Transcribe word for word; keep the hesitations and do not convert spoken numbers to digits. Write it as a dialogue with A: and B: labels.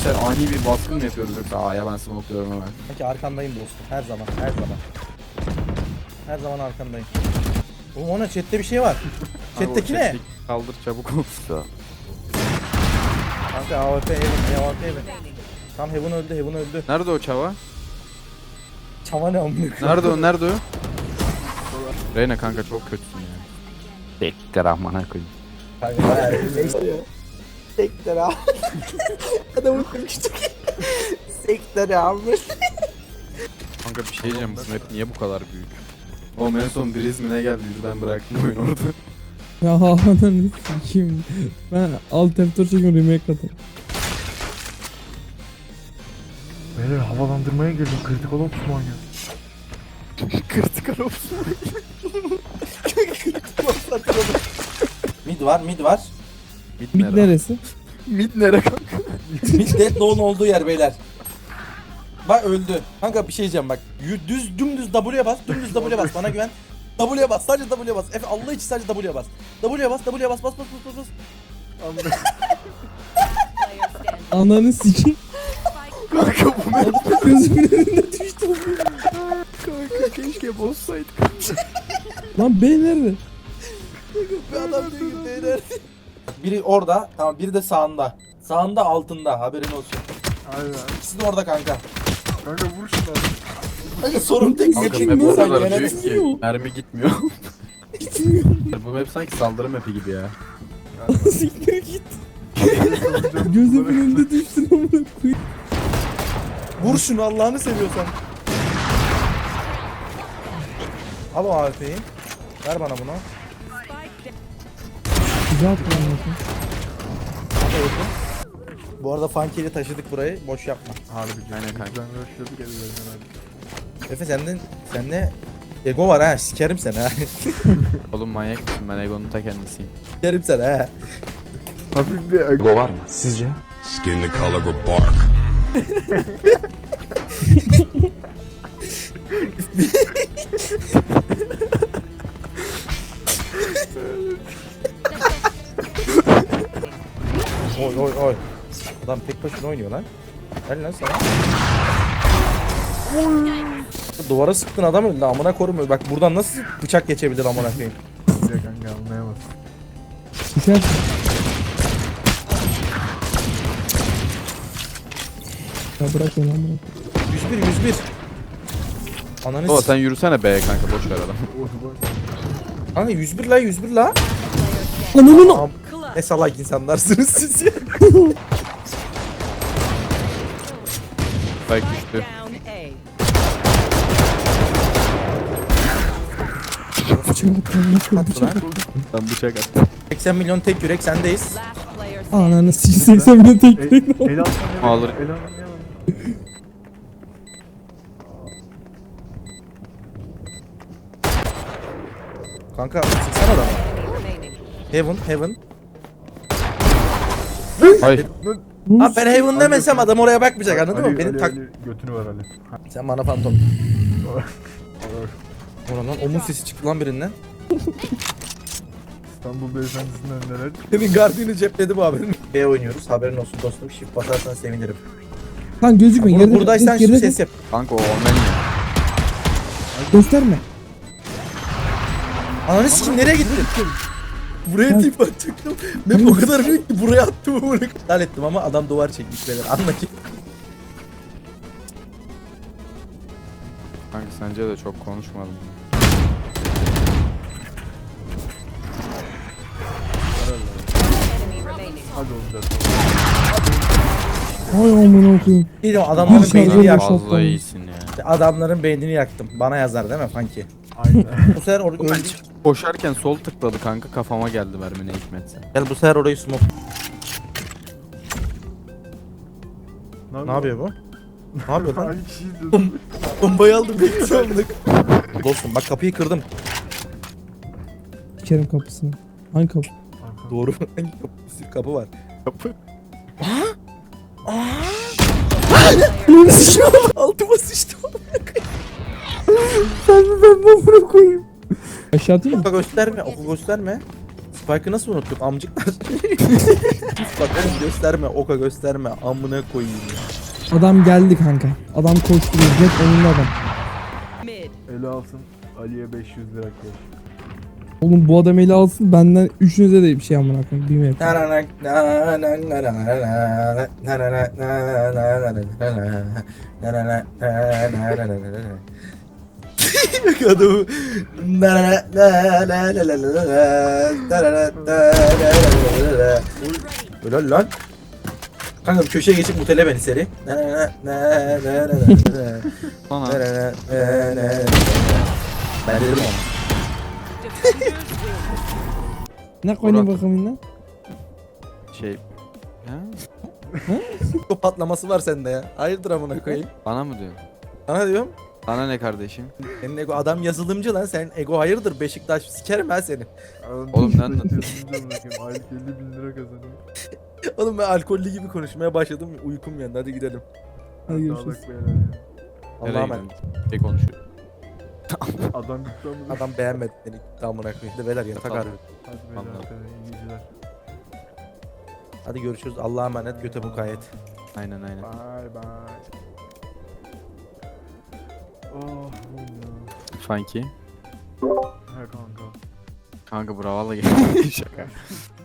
A: Gençler ani bir baskın mı yapıyoruz yoksa A'ya ben smokluyorum hemen.
B: Peki arkandayım dostum. Her zaman, her zaman. Her zaman arkandayım. Oğlum ona chatte bir şey var. Chat'teki ne?
A: Kaldır çabuk ol.
B: Kanka A W P Heaven, A W P Heaven. Tam Heaven öldü, Heaven öldü.
A: Nerede o çava?
B: Çava ne amına koyayım?
A: Nerede o nerede o? Reyna kanka çok kötüsün ya. Bekle rahmana koyayım.
B: Kanka bayağı bir sektör abi. Adamın konuştuk. Sektör abi.
A: Kanka bir şey diyeceğim, bu map niye bu kadar büyük? O en son Breeze mi ne geldiydi, ben bıraktım oyunu orada.
C: Ya ananı sikeyim. Ben alt F dört çekiyorum, remake atın.
D: Beyler havalandırmaya girdim. Critical Ops mu oynuyor?
A: Critical Ops.
B: Mid var, mid var.
C: Mid neresi?
A: Mid nere kanka?
B: Mid Deadlock'un olduğu yer beyler. Bak öldü. Kanka bir şey diyeceğim bak. Yü- Düz dümdüz W'ye bas, dümdüz W'ye bas. Bana güven. W'ye bas, sadece W'ye bas. Efe Allah için sadece W'ye bas. W'ye bas, W'ye bas, bas bas bas bas.
C: Ananı sikeyim.
A: Kanka bu map.
C: Gözümün önünde düştü.
A: Kanka keşke bozsaydık.
C: Lan B nerede?
B: Bir adam diyor ki beyler. Biri orada, tamam biri de sağında. Sağında altında, haberin olsun.
D: Aynen.
B: İkisi de orada kanka.
D: Kanka vur şunu abi.
B: Kanka sorun tek
A: Kanka
B: senin.
A: map o
B: Sen
A: kadar
B: gene-
A: büyük ki mermi gitmiyor. Bu map sanki saldırı mapi gibi ya.
C: Siktir git. Gözümün önünde düştün amına koyayım.
B: Vur şunu Allah'ını seviyorsan. Al o A W P'yi. Ver bana bunu.
C: Güzel kullanıyorsun.
B: Hadi öldüm. Bu arada Funky'yle taşıdık burayı. Boş yapma.
D: Harbi.
A: Aynen kanka.
D: Ben rushladık ellerine abi.
B: Efe senden sende ego var ha. Sikerim seni ha.
A: Oğlum manyak mısın, ben Egon'un ta kendisiyim.
B: Sikerim seni ha.
D: Hafif bir ego var mı sizce?
E: Skin the color of bark.
B: Oy oy oy. Adam tek başına oynuyor lan. Gel lan sana. Duvara sıktın adam öldü amına korum. Bak buradan nasıl bıçak geçebilir amına koyayım.
D: Sizce kanka anlayamaz.
C: Düşer. Ya bırak onu amına.
B: yüz bir yüz bir. Ananı
A: O
B: s-
A: sen yürüsene be kanka, boş ver adam.
B: Kanka yüz bir la yüz bir la.
C: Ananı
B: Am- Ne salak insanlarsınız siz ya.
A: Spike düştü.
B: Attı lan.
A: Ben bıçak attım.
B: seksen milyon tek yürek sendeyiz.
C: Ananı sikeyim. seksen bile tek
D: El,
C: tek.
D: el alsam ne
A: Alır.
D: El alsam ne var?
B: Kanka sıksana da. Heaven heaven.
A: Hayır.
B: Abi ben heaven demesem adam oraya bakmayacak anladın
D: Ali,
B: mı? Benim
D: Ali,
B: tak...
D: Ali, götünü ver Ali.
B: Sen bana fantom.
D: Olur.
B: Oradan omuz sesi çıktı lan birinden.
D: İstanbul Beyefendisi'nden neler?
B: Senin gardını cepledi bu haberin. B oynuyoruz haberin olsun dostum. Shift basarsan sevinirim.
C: Lan gözükme.
B: Bur-
C: Geride
B: buradaysan
C: geride
B: şu ses yap.
A: Kanka o omen ya.
C: gösterme.
B: Ananı sikim nereye gittin? Buraya tip atacaktım. Ben o kadar büyük ki buraya attım bunu. Dal ettim ama adam duvar çekmiş beyler. Anla ki.
A: Kanka sence de çok konuşmadım.
D: Hadi oğlum dört.
C: Ay amına koyayım.
B: Bir de adamların
C: Bir
B: beynini
C: şarjör
B: yaktım.
C: boşalt.
A: Fazla iyisin ya.
B: Adamların beynini yaktım. Bana yazar değil mi Funky?
D: Aynen.
B: Bu sefer or öldü.
A: Koşarken sol tıkladı kanka, kafama geldi mermi ne hikmetse.
B: Gel bu sefer orayı smoke. Ne yapıyor bu? Ne yapıyor lan?
D: Hangi kişiyi izliyorsun?
B: Bombayı aldım bekliyorum. Dostum bak kapıyı kırdım.
C: Sikerim kapısını. Hangi kapı?
B: Doğru. Hangi kapı? Bir sürü kapı var.
A: Kapı.
B: Altıma sıçtım.
C: Ben mi ben mi amına koyayım? Aşağı atayım mı?
B: Bak gösterme. Oku gösterme. Spike'ı nasıl unuttuk amcıklar? Bak oğlum gösterme, oka gösterme. Amına koyayım ya.
C: Adam geldi kanka. Adam koşturuyor. Jet önünde adam.
F: Mid.
D: Ele alsın. Ali'ye beş yüz lira koy.
C: Oğlum bu adam eli alsın benden üçünüze de bir şey amına koyayım. Bilmiyorum.
B: Adamı Öyle lan. Kanka bir köşeye geçip mutele beni seri.
A: Sana
B: Ben dedim ama.
C: Ne koyayım
A: Murat.
C: bakalım lan?
A: şey... Ha?
B: O patlaması var sende ya. Hayırdır amına koyayım.
A: Bana mı diyorsun?
B: Sana diyorum.
A: Sana ne kardeşim?
B: Senin ego adam yazılımcı lan. Sen ego hayırdır. Beşiktaş sikerim ben seni.
A: Oğlum ne anlatıyorsun?
D: Aylık elli bin lira kazanıyor.
B: Oğlum ben alkollü gibi konuşmaya başladım. Uykum geldi. Hadi gidelim.
C: Hadi görüşürüz.
D: Sağlık beyler ya.
B: Allah'a
A: Nereye
B: emanet.
A: gidiyorsun? Ne konuşuyor?
D: Adam gitti ama.
B: Adam beğenmedi beni. Tamına koyayım. De beyler yatak
A: Tamam.
B: arıyor.
D: Hadi beyler
A: Anladım.
D: arkadaşlar, iyi geceler.
B: Hadi görüşürüz. Allah'a emanet. Göte mukayyet.
A: Aynen aynen.
D: Bye bye. Oh oğlum ya.
A: Funky.
D: He kanka.
A: Kanka bravo valla geldi. Şaka.